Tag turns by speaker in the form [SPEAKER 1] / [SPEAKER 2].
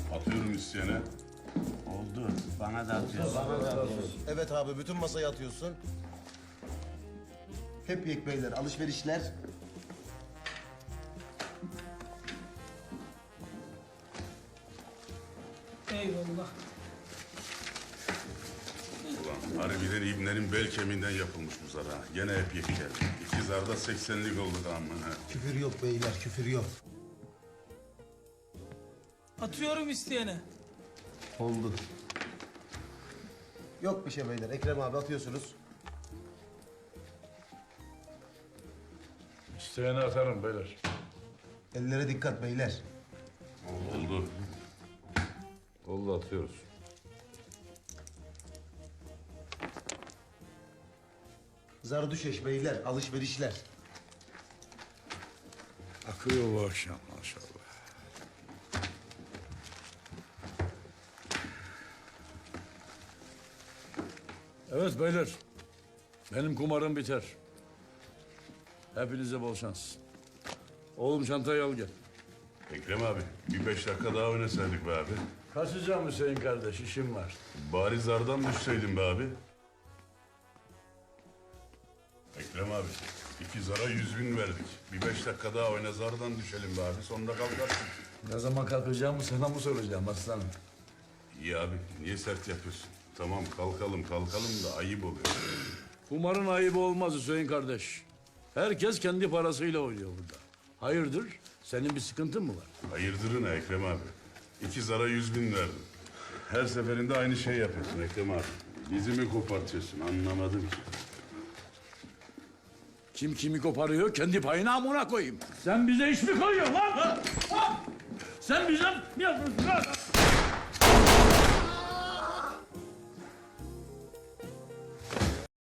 [SPEAKER 1] Atıyorum isteyene.
[SPEAKER 2] Oldu. Bana da atıyorsun.
[SPEAKER 3] Evet abi bütün masayı atıyorsun. Hep yek beyler alışverişler.
[SPEAKER 4] Eyvallah.
[SPEAKER 1] Ulan harbiden İbne'nin bel kemiğinden yapılmış bu zar ha. Gene hep yek geldi. İki zarda 80'lik oldu da aman ha.
[SPEAKER 3] Küfür yok beyler küfür yok.
[SPEAKER 4] Atıyorum isteyene.
[SPEAKER 3] Oldu. Yok bir şey beyler. Ekrem abi atıyorsunuz.
[SPEAKER 5] İsteyene atarım beyler.
[SPEAKER 3] Ellere dikkat beyler.
[SPEAKER 1] Oldu.
[SPEAKER 5] Oldu atıyoruz.
[SPEAKER 3] Zardüşeş beyler alışverişler.
[SPEAKER 5] Akıyor bu akşam maşallah. Evet beyler. Benim kumarım biter. Hepinize bol şans. Oğlum çantayı al gel.
[SPEAKER 1] Ekrem abi bir 5 dakika daha oynasaydık be abi.
[SPEAKER 5] Kaçacağım Hüseyin kardeş, işim var.
[SPEAKER 1] Bari zardan düşseydin be abi. Ekrem abi 2 zara 100.000 verdik. Bir 5 dakika daha oyna zardan düşelim be abi. Sonunda kalkarsın.
[SPEAKER 5] Ne zaman kalkacağımı sana mı soracağım aslanım?
[SPEAKER 1] İyi abi niye sert yapıyorsun? Tamam kalkalım da ayıp oluyor.
[SPEAKER 5] Kumarın ayıbı olmaz Hüseyin kardeş. Herkes kendi parasıyla oynuyor burada. Hayırdır? Senin bir sıkıntın mı var?
[SPEAKER 1] Hayırdırın ha Ekrem abi. 2 zara 100.000 verdim. Her seferinde aynı şey yapıyorsun Ekrem abi. Dizimi kopartıyorsun anlamadım ki.
[SPEAKER 5] Kim kimi koparıyor kendi payına amına koyayım. Sen bize iş mi koyuyorsun lan? Ha? Sen bize mi yapıyorsun lan?